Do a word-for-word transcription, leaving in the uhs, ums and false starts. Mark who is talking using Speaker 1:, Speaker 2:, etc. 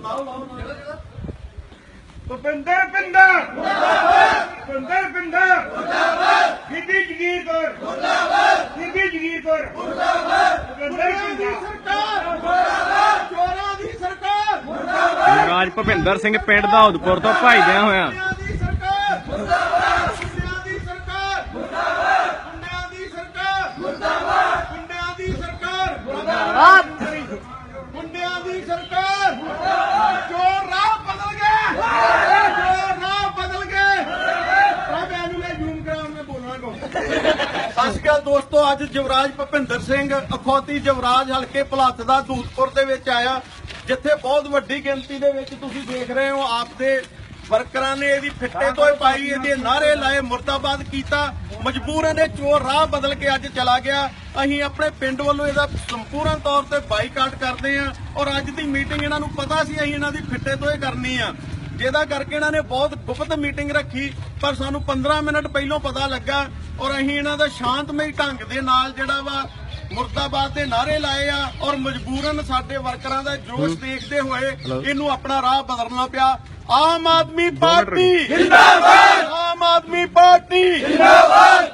Speaker 1: ਭੁਪਿੰਦਰ ਪਿੰਡਾ ਭੁਪਿੰਦਰ ਪਿੰਡਾ ਬੀਬੀ ਜਗੀਰ ਕੌਰ ਬੀਬੀ ਜਗੀਰ ਕੌਰ ਭੁਪਿੰਦਰ ਪਿੰਡਾ
Speaker 2: ਚੋਰਾਂ ਦੀ ਸਰਕਾਰ
Speaker 3: ਰਾਜ ਭੁਪਿੰਦਰ ਸਿੰਘ ਪਿੰਡ ਦਾ ਉਦਪੁਰ ਤੋਂ ਭਾਈਦਿਆਂ ਹੋਇਆ
Speaker 2: ਦੀ ਸਰਕਾਰ ਮੁਰਦਾਬਾਦ ਗੁੰਡਿਆਂ ਦੀ ਸਰਕਾਰ ਮੁਰਦਾਬਾਦ ਗੁੰਡਿਆਂ ਦੀ ਸਰਕਾਰ ਮੁਰਦਾਬਾਦ ਗੁੰਡਿਆਂ ਦੀ ਸਰਕਾਰ ਮੁਰਦਾਬਾਦ ਗੁੰਡਿਆਂ ਦੀ ਸਰਕਾਰ ਮੁਰਦਾਬਾਦ ਚੋਰ ਰਾਹ ਬਦਲ ਗਏ ਚੋਰ ਰਾਹ ਬਦਲ ਗਏ ਆ ਮੈਨੂੰ ਲੈ ਜ਼ੂਮ ਕਰਾਉਣ ਮੈਂ ਬੋਲਣਾ ਸਤਿ ਸ਼੍ਰੀ ਅਕਾਲ ਦੋਸਤੋ, ਅੱਜ ਜਵਰਾਜ ਭੁਪਿੰਦਰ ਸਿੰਘ ਅਖੌਤੀ ਜਵਰਾਜ ਹਲਕੇ ਭਲੱਥ ਦਾ ਦੂਤਪੁਰ ਦੇ ਵਿੱਚ ਆਇਆ, ਜਿੱਥੇ ਬਹੁਤ ਵੱਡੀ ਗਿਣਤੀ ਦੇ ਵਿੱਚ ਤੁਸੀਂ ਦੇਖ ਰਹੇ ਹੋ ਆਪਦੇ ਵਰਕਰਾਂ ਨੇ ਇਹਦੀ ਫਿੱਟੇ ਤੋਂ ਪਾਈ, ਇਹਦੇ ਨਾਅਰੇ ਲਾਏ, ਮੁਰਦਾਬਾਦ ਕੀਤਾ। ਮਜਬੂਰਨ ਇਹ ਚੋਰ ਰਾਹ ਬਦਲ ਕੇ ਅੱਜ ਚਲਾ ਗਿਆ। ਅਸੀਂ ਆਪਣੇ ਪਿੰਡ ਵੱਲੋਂ ਇਹਦਾ ਸੰਪੂਰਨ ਤੌਰ ਤੇ ਬਾਈਕਾਟ ਕਰਦੇ ਹਾਂ ਔਰ ਅੱਜ ਦੀ ਮੀਟਿੰਗ ਇਹਨਾਂ ਨੂੰ ਪਤਾ ਸੀ ਅਸੀਂ ਇਹਨਾਂ ਦੀ ਫਿੱਟੇ ਤੋਂ ਹੀ ਕਰਨੀ ਆ, ਜਿਹਦਾ ਕਰਕੇ ਇਹਨਾਂ ਨੇ ਬਹੁਤ ਗੁਪਤ ਮੀਟਿੰਗ ਰੱਖੀ, ਪਰ ਸਾਨੂੰ ਪੰਦਰਾਂ ਮਿੰਟ ਪਹਿਲਾਂ ਪਤਾ ਲੱਗਾ ਔਰ ਅਸੀਂ ਇਹਨਾਂ ਦਾ ਸ਼ਾਂਤਮਈ ਢੰਗ ਦੇ ਨਾਲ ਜਿਹੜਾ ਵਾ ਮੁਰਦਾਬਾਦ ਦੇ ਨਾਅਰੇ ਲਾਏ ਆ ਔਰ ਮਜਬੂਰਨ ਸਾਡੇ ਵਰਕਰਾਂ ਦਾ ਜੋਸ਼ ਦੇਖਦੇ ਹੋਏ ਇਹਨੂੰ ਆਪਣਾ ਰਾਹ ਬਦਲਣਾ ਪਿਆ। ਆਮ ਆਦਮੀ ਪਾਰਟੀ ਜਿੰਦਾਬਾਦ, ਆਮ ਆਦਮੀ ਪਾਰਟੀ ਜਿੰਦਾਬਾਦ।